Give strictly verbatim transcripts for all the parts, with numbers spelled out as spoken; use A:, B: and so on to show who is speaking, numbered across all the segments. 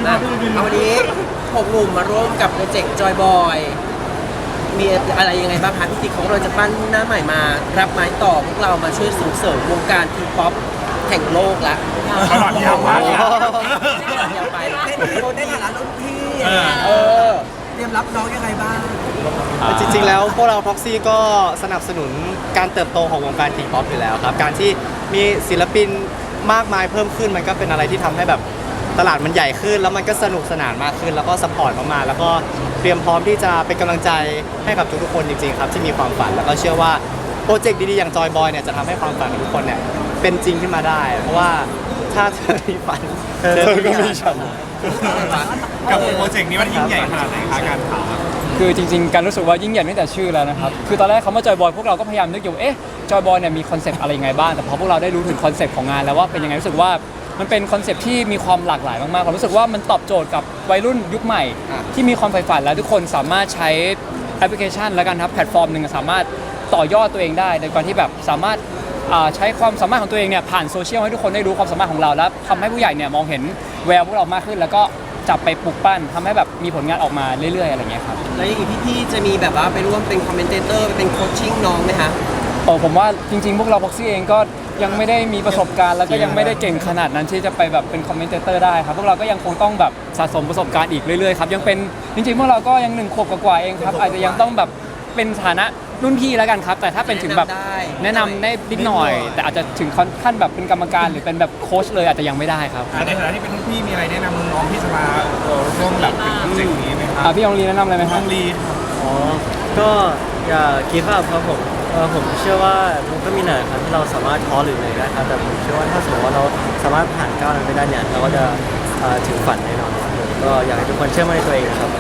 A: นะเอาวันนี้หกหนุ่มมาร่วมกับโปรเจกต์จอยบอยมีอะไรยังไงบ้างคะพี่ติ๊กของเราจะปั้นหน้าใหม่มารับไม้ต่อพวกเรามาช่วยส่งเสริมวงการทีป๊อปแห่งโลกละ
B: ตลอดยาวมาก
A: ยาวไปได้ฐานะรุ่นพี่เออเตรียมรับน้องยังไงบ้าง
C: จริงๆแล้วพวกเรา Proxy ก็สนับสนุนการเติบโตของวงการทีป๊อปอยู่แล้วครับการที่มีศิลปินมากมายเพิ่มขึ้นมันก็เป็นอะไรที่ทำให้แบบตลาดมันใหญ่ขึ้นแล้วมันก็สนุกสนานมากขึ้นแล้วก็สปอร์ตมากๆแล้วก็เตรียมพร้อมที่จะเป็นกำลังใจให้กับทุกๆคนจริงๆครับที่มีความฝันแล้วก็เชื่อว่าโปรเจกต์ดีๆอย่างจอยบอยเนี่ยจะทำให้ความฝันของทุกคนเนี่ยเป็นจริงขึ้นมาได้เพราะว่าถ้าเธอมีฝันเธอก็มีฉัน
B: กับโปรเจกต์นี้มันยิ่งใหญ่ขนาดไหนคะการถาม
D: คือจริงๆการรู้สึกว่ายิ่งใหญ่ตั้งแต่ชื่อแล้วนะครับคือตอนแรกคำว่าจอยบอยพวกเราก็พยายามนึกอยู่เอ๊ะจอยบอยเนี่ยมีคอนเซปต์อะไรยังไงบ้างแต่พอพวกเราได้รู้ถึงคอนเซปต์ของงานแล้วว่าเป็นยังไงรู้สึกว่ามันเป็นคอนเซปต์ที่มีความหลากหลายมากๆผมรู้สึกว่ามันตอบโจทย์กับวัยรุ่นยุคใหม่ที่มีความใฝ่ฝันและทุกคนสามารถใช้แอปพลิเคชันและกันครับแพลตฟอร์มหนึ่งสามารถต่อยอดตัวเองได้ในการที่แบบสามารถใช้ความสามารถของตัวเองเนี่ยผ่านโซเชียลให้ทุกคนได้รู้ความสามารถของเราแล้วทำให้ผู้ใหญ่เนี่ยมองเห็นแววพวกเรามากขึ้นแล้วก็จับไปปลูกปั้นทำให้แบบมีผลงานออกมาเรื่อยๆอะไรเงี้ยครับ
A: แล้วอย่างนี้พี่ๆจะมีแบบว่าไปร่วมเป็นคอมเมนเตอร์ไปเป็นโคชชิ่งน้องไหมคะ
D: โอ้ผมว่าจริงๆพวกเราพ็อกซี่เองก็ยังไม่ได้มีประสบการณ์แล้วก็ยังไม่ได้เก่งขนาดนั้นที่จะไปแบบเป็นคอมเมนเตอร์ได้ครับพวกเราก็ยังคงต้องแบบสะสมประสบการณ์อีกเรื่อยๆครับยังเป็นจริงๆพวกเราก็ยังหนึ่งขวบกว่าๆเองครับอาจจะยังต้องแบบเป็นฐานะรุ่นพี่แล้วกันครับแต่ถ้าเป็นถึงแบบแนะนำได้นิดหน่อยแต่อาจจะถึงขั้นแบบเป็นกรรมการหรือเป็นแบบโค้ชเลยอาจจะยังไม่ได้ครับ
B: ในฐานะที่เป็นรุ่นพี่มีอะไรแนะนำน้องที่จะมาร่วมแบบเป็นโปรเจกต์นี้ไหมครับ
D: พี่องลีแนะนำอะไรไหมครับ
B: น้องลี
C: อ๋อก็อย่าคิดว่าครับผมเออผมเชื่อว่ามันก็มีหน่อยครับที่เราสามารถท้อหรือเหนื่อยได้ครับแต่ผมเชื่อว่าถ้าสมมติว่าเราสามารถผ่านก้าวนั้นไปได้เนี่ยเราก็จะถึงฝันแน่นอนครับผมก็อยากให้ทุกคนเชื่อมั่นในตัวเองนะครับ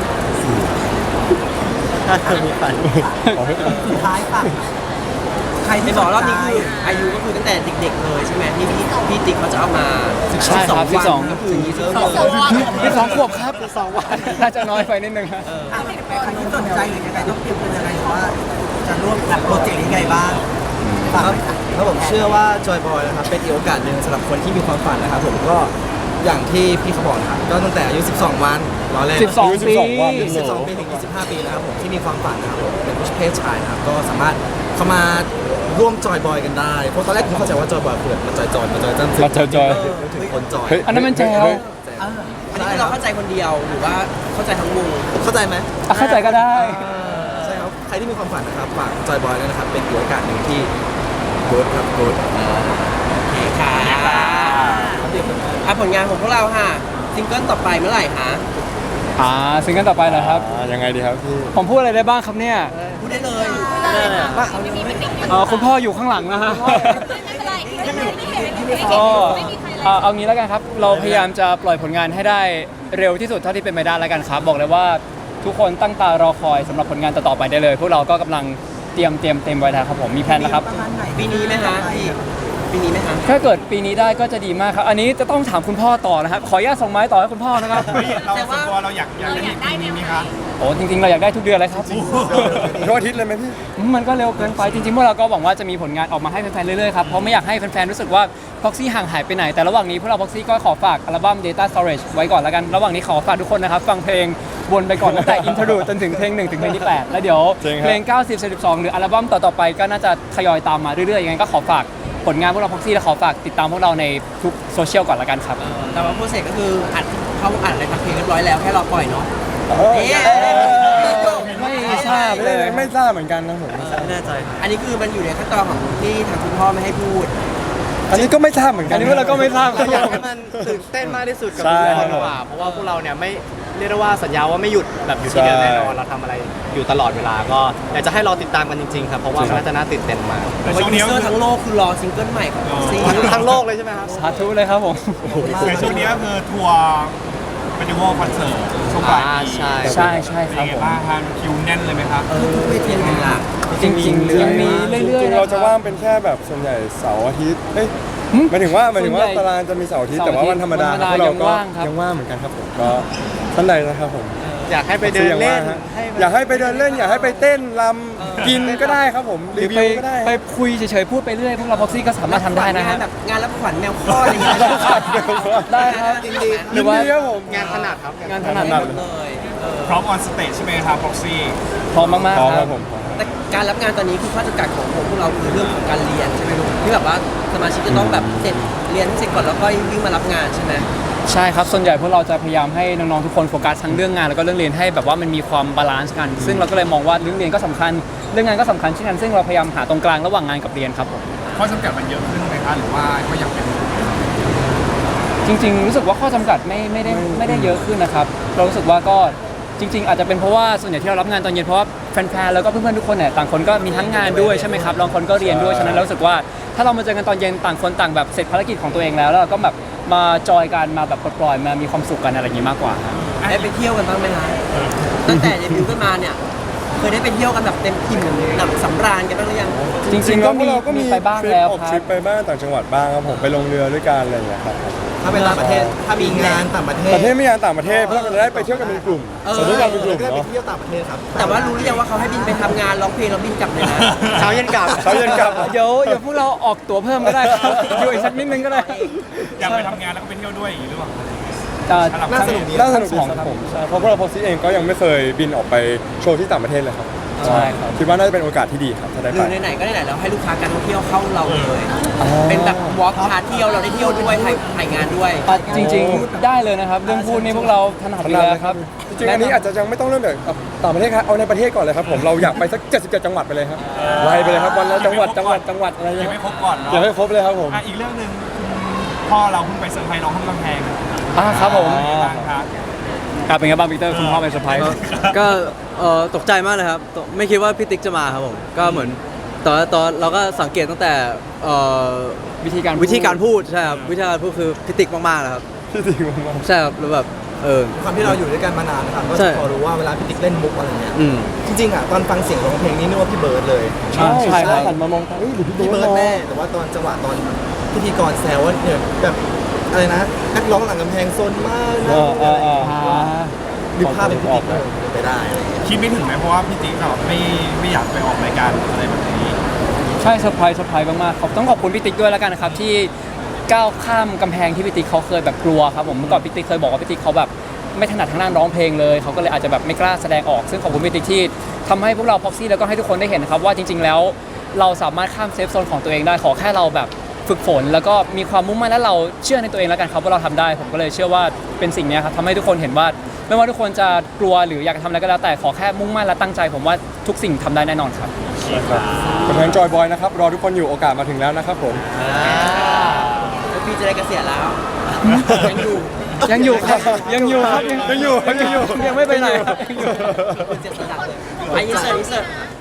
C: ถ้าเธอมีฝัน
A: สุดท้ายฝากใครที่บอกรอบนี้คืออายุก็คือตั้งแต่เด็กๆเลยใช่ไหมที่พี่พี่ติ๊กเขาจะเอามา
D: ใช่ครับที่สอง
A: ก็คือเซิร์ฟ
D: ที่สองขวบครับสองวันน่าจะน้อยไปนิดนึงครับ
A: ใครที่สนใจหรือยังไงต้องเตรียมตัวยังไงหรือว่าจะร่วมกับโปรเจกต์นี้ยังไงบ้าง
E: ครับครับผมเชื่อว่าจอยบอยนะครับเป็นอีกโอกาสหนึ่งสำหรับคนที่มีความฝันนะครับผมก็อย่างที่พี่เขาบอกนะครับก็ตั้งแต่อายุสิบสองวันรอเล่น
D: สิบสองปี
E: สิบสองปีถึงยี่สิบห้าปีนะครับผมที่มีความฝันนะครับผมเป็นผู้เพศชายนะครับก็สามารถเข้ามาร่วมจอยบอยกันได้เพราะตอนแรกผมเข้าใจว่าจอยบอยคือแบบมาจอยจอยมาจอยจันทร์
D: มาจอยจอย
E: ถึงคนจอย
D: อันนั้นมันแจ๋ว
A: อันนี้เราเข้าใจคนเดียวหรือว่าเข้าใจทั้งวง
E: เข้าใจไหม
D: เข้าใจก็ได้
E: ใช่ครับใครที่มีความฝันนะครับฝากจอยบอยด้วยนะครับเป็นอีกโอกาสหนึ่งที่กู๊ดครับกู๊ด
A: โอเคค่ะอ่ะผลงานของพวกเราค่ะซิงเกิลต่อไปเมื่อไหร่คะ
D: อ่าซิงเกิลต่อไปเหรอครับ
C: ยังไงดีครับพี่
D: ผมพูดอะไรได้บ้างครับเนี่ย
A: พูดได้เลย
D: อ๋อคุณพ่ออยู่ข้างหลังนะฮะก็เอางี้แล้วกันครับเราพยายามจะปล่อยผลงานให้ได้เร็วที่สุดเท่าที่เป็นไปได้แล้วกันครับบอกเลยว่าทุกคนตั้งตารอคอยสำหรับผลงานต่อๆไปได้เลยพวกเราก็กำลังเตรียมเตรียมเต็มไว้แล้วครับผมมีแผนแล้วครับ
A: ปีนี้ไหมคะพี่ปีนี้ไหมคะ
D: ถ้าเกิดปีนี้ได้ก็จะดีมากครับอันนี้จะต้องถามคุณพ่อต่อนะครับขออนุญาตส่งไม้ต่อให้คุณพ่อนะครับ
B: เราส่วนตัวเราอยากอยากได้ปีนี้ไหมคะ
D: โอ้จริงๆเราอยากได้ทุกเดือนเลยครับ
C: ทุกอาทิตย์เลยไหมพี่
D: มันก็เร็วเกินไปจริงๆพวกเราก็หวังว่าจะมีผลงานออกมาให้แฟนๆเรื่อยๆครับเพราะไม่อยากให้แฟนๆรู้สึกว่า Proxy ห่างหายไปไหนแต่ระหว่างนี้พวกเรา Proxy ก็ขอฝากอัลบั้ม Data Storage ไว้ก่อนแล้วกันระหว่างนี้ขอฝากทุกคนนะครับฟังเพลงวนไปก่อนตั้งแต่ Interlude จนถึงเพลงหนึ่งถึงเพลงที่แปดแล้วเดี๋ยวเพลงเก้าสิบ สิบสองหรืออัลบั้มต่อๆไปก็น่าจะทยอยตามมาเรื่อยๆยังไงก็ขอฝากผลงานพวกเรา Proxy และขอฝากติดตามพวกเราในทุกโซเชียลก่อนละกันครับ
A: แต่ว่าโปรเซสก็คืออัดเข้าอัดอะไรทำเพลงเรียบร้อยแล้วแค่รอปล่อยเนาะ
D: ไม่ทราบเลย
C: ไม่ทราบเหมือนกันนะผมไม่แน่ใจ
A: อันนี้คือมันอยู่ในขั้นตอนของที่ทางคุณพ่อไม่ให้พูด
C: อันนี้ก็ไม่ทราบเหมือนกัน
D: อันนี้พวกเราก็ไม่ทราบ
C: อยากให้มันตื่นเต้นมากที่สุดกับทุกคนดีกว่าเพราะว่าพวกเราเนี่ยไม่เรียกได้ว่าสัญญาว่าไม่หยุดแบบอยู่ที่เดิมแน่นอนเราทำอะไรอยู่ตลอดเวลาก็อยากจะให้รอติดตามกันจริงๆครับเพราะว่ามันน่าจะน่าตื่นเต้นมาก
A: เพราะยูเซอร์ทั้งโลกคือรอซิงเกิลใหม่ของซี
C: ทั้งโลกเลยใช่ไหมครับ
D: สาธุเลยครับผม
B: ในช่วงนี้ก็คือทัวร์เฟสติวัลคอนเสิร์ตช่วงปลายปี
D: ใช่ใช่ใช่ครับผม
B: บ้างครับคิวแน่นเลยไหมครับ
A: เออไม่เทียนกันละ
D: จริงๆยังมีเรื่อยๆ
C: เราจะว่างเป็นแค่แบบส่วนใหญ่เสาร์อาทิตย์เอ้ยหมายถึงว่าหมายถึงว่าตารางจะมีเสาร์อาทิตย์แต่ว่าวันธรรมดาเราก็ยังว่างเหมือนกันครับผมก็ท่านใดนะครับผมอยากให้ไปเดินเล่น
F: ฮะ
C: ให้
F: อยากให้ไปเดินเล่น อยากให้ไปเต้นรำกินก็ได้ครับผม
D: หรื
F: รี
D: อ
F: วิ
D: ไป
F: วก็ได้
D: ไปคุยเฉยๆพูดไปเรื่อยพวกเราพ็อกซี่ก็สามารถทำได้นะฮะ
A: งานแบบงานรับขวัญแมวคลอดอะไรอย่างเงี้ย
D: ได้ครับ
A: ยินดี
D: หรือว่า
F: ยินดีครับผม
C: งานถนัดครับ
D: งานถนัด
A: หมดเลยเออ
B: พร้อมออนสเตจใช่ไหมครับพ็อกซี่
D: พร้อมมาก
F: พร้อม
D: ๆค
F: ค
D: รั
F: รั
D: บบ
F: ผม
A: แต่การรับงานตอนนี้คือข้อจำกัดของพวกเราคือเรื่องของการเรียนใช่ไหมลูกที่แบบว่าสมาชิกจะต้องแบบเสร็จเรียนให้เสร็จก่อนแล้วก็วิ่งมารับงานใช่ไหม
D: ใช่ครับส่วนใหญ่พวกเราจะพยายามให้น้องๆทุกคนโฟกัสทั้งเรื่องงานแล้วก็เรื่องเรียนให้แบบว่ามันมีความบาลานซ์กัน ซึ่งเราก็เลยมองว่าเรื่องเรียนก็สำคัญเรื่องงานก็สำคัญเช่นกันซึ่งเราพยายามหาตรงกลางระหว่างงานกับเรียนครับผม
B: ข้อจำกัดมันเยอะขึ้นไหมคะหรือว่าก็ยังเป็น
D: จริงๆ รู้สึกว่าข้อจำกัดไม่ไม่ได้ไม่ได้เยอะขึ้นนะครับ เรารู้สึกว่าก็จริง ๆ อาจจะเป็นเพราะว่าส่วนใหญ่ที่เรารับงานตอนเย็นเพราะว่าแฟนๆ แล้วก็เพื่อนๆ ทุกคนเนี่ยต่างคนก็มีทั้งงานด้วยใช่ไหมครับบางคนก็เรียนด้วย ฉะนั้นเรารู้สึกว่าถ้าเรามาเจอกันตอนเย็นต่างคนต่างแบบเสร็จภารกิจของตัวเองแล้วแล้วเราก็แบบมาจอยกันมาแบบปล่อยๆ มามีความสุขกันอะไรอย่างนี้มากกว่าครับ
A: ได้ไปเที่ยวกันบ้างไหมคะตั้งแต่เดบิวต์กันมาเนี่ยเคยได้ไปเที่ยวกันแบบเต็มอิ่มหนำสำราญกันบ้างหรือยัง
D: จริงๆ ก็มี
F: เราก็
D: มี
F: มี
D: ไปบ้าง
F: ทริป
D: แล้ว
F: ออก
D: ค
F: ท
D: รั
F: ริ
D: บ
F: ปไปบ้างต่างจังหวัดบ้างครับผมไปลงเรือด้วยกันอะไรอย่างเงี้ยครับ
E: ถ้าเป็นต่างประเทศถ้ามีงานต่างประเทศ
F: ประเทศไม่งานต่างประเทศเพราะเราจะได้ไปเที่ยวกันเป็นกลุ่ม
A: เออ
F: สมมติการเป็นกลุ่ม
E: ก็ได้ไป
F: เนาะ
E: เที่ยวต่างประเทศครับ
A: แต่ว่ารู้หรือยังว่าเขาให้บินไปทำงานร้องเพลงแล้วบินกลับเลยนะ
C: เช้าเย็นกลับ
F: เช้าเย็นกลับ
D: เดี๋ยวเดี๋ยวพวกเราออกตั๋วเพิ่มก็ได้ครับอยู่อีกสักนิดนึงก็ได้
B: อยากไปทำงานแล้วก็ไปเที่ยวด้วยอย่างนี้หรือเปล่า
D: อ่า
E: น่าสนุกดี
F: น่าสนุกดี
D: ทั้งสอง
F: ครับผมใช่เพราะพวกเราพอซีเองก็ยังไม่เคยบินออกไปโชว์ที่ต่างประเทศเลยครับ
D: ใช่ครับ
F: คิดว่าน่าจะเป็นโอกาสที่ดีครับถ้าได้
A: ห
F: ไป
A: รือไหนๆก็ไหนๆแล้วให้ลูกค้าการท่องเที่ยวเข้าเราเลย เป็นแบบวอล์กพาเที่ยวเราได้เที่ยวด้วยถ่ายถ่ายงานด้วย
D: อ่ะจริงๆได้เลยนะครับเรื่องพูดนี่พวกเราถนัดอยู่แล้วครับ
F: จริงๆอันนี้อาจจะยังไม่ต้องเริ่มจากต่างประเทศครับเอาในประเทศก่อนเลยครับผมเราอยากไปสักเจ็ดสิบเจ็ดจังหวัดไปเลยครับไล่ไปเลยครับวันละจังหวัดจังหวัดจังหวัดอะไร
B: ยัง
F: เงี้
B: ไม่
F: ย
B: ครบก่อนเนาะ
F: อยากให้ครบเลยครับผม
B: อ่ะอีกเรื่องหนึ่งคุณพ่อเราเพิ่งไปเซอร์ไพรส์น้องข้างกำแพง
D: อ่าครับผม
B: เป็นไงบ้างครับ
D: ครับเป็นไงบ้างปีเตอร์คุณพ่อเป็นเซอร์ไพรส์
G: ก็เอ่อตกใจมากเลยครับตกไม่คิดว่าพี่ติ๊กจะมาครับผมก็เหมือนตอนตอนเราก็สังเกตตั้งแต่เอ่อ
D: วิธีการ
G: วิธีการพูดใช่ครับวิธีการพูดคือพี่ติ๊กมากๆเลยครับ
F: ที่จริงมาก
G: ใช่ครับแล้วแบบเออ
E: ความที่เราอยู่ด้วยกันมานานนะครับก็
G: ใช่
E: จะพอรู้ว่าเวลาพี่ติ๊กเล่นมุกอะไรเงี้ย
G: อืม
E: จริงๆอ่ะตอนฟังเสียงร้องเพลงนี้นึกว่าพี่เบิร์ดเลย
F: ๆใช่
D: ใช่ครับ
F: หันมามองเฮ้ยหรือพี่
E: พี่
F: เบิ
E: เบิ
F: ร์
E: ร์
F: ด
E: ด
F: แน่
E: แน่แต่ว่าตอนจังหวะตอนพิธีกรแซวว่าเนี่ยแบบอะไรนะนักร้องหลังกำแพงโซนมากนะ
F: อ่าอ่าอ่า
D: อ่า
E: ดูภาพเป็นพี่ติ๊กเลยเป็นไปได้อะไรเงี้ย
B: คิดไม่ถึงไหมเพราะว่าพี่ติ๊กเขาไม่ไม่อยากไปออกรายการอะไรแบบนี้
D: ใช่เซอร์ไพรส์เซอร์ไพรส์มากๆขอบต้องขอบคุณพี่ติ๊กด้วยแล้วกันนะครับที่ก้าวข้ามกำแพงที่พี่ติ๊กเขาเคยแบบกลัวครับผมเมื่อก่อนพี่ติ๊กเคยบอกว่าพี่ติ๊กเขาแบบไม่ถนัดทางด้านร้องเพลงเลยเขาก็เลยอาจจะแบบไม่กล้าแสดงออกซึ่งขอบคุณพี่ติ๊กที่ทำให้พวกเราพ็อกซี่แล้วก็ให้ทุกคนได้เห็นนะครับว่าจริง ๆ แล้วเราสามารถข้ามเซฟโซนของตัวเองได้ขอแค่เราแบบฝึกฝน แล้วก็มีความมุ่งมั่นและเราเชื่อในตัวเองแล้วกันครับว่าเราทำได้ผมก็เลยเชื่อว่าเป็นสิ่งเนี้ยครับทำให้ทุกคนเห็นว่าไม่ว่าทุกคนจะกลัวหรืออยากจะทำอะไรก็แล้วแต่ขอแค่มุ่งมั่นและตั้งใจ ผมว่าทุกสิ่งทำได้แน่นอนครับ
F: กำลังจอยบอยนะครับรอทุกคนอยู่โอกาสมาถึงแล้วนะครับผม
A: แล้วพี่จะได้เกษียณแล้ว ยังอยู่
D: ยังอยู่ครับยังอยู่ครับ
F: ยังอยู่ครับยังอยู่
D: ยังไม่ไปไหนครับยังอยู่
A: เจ็บสะดักเลยไปยินเสิร์ตยินเสิร์ต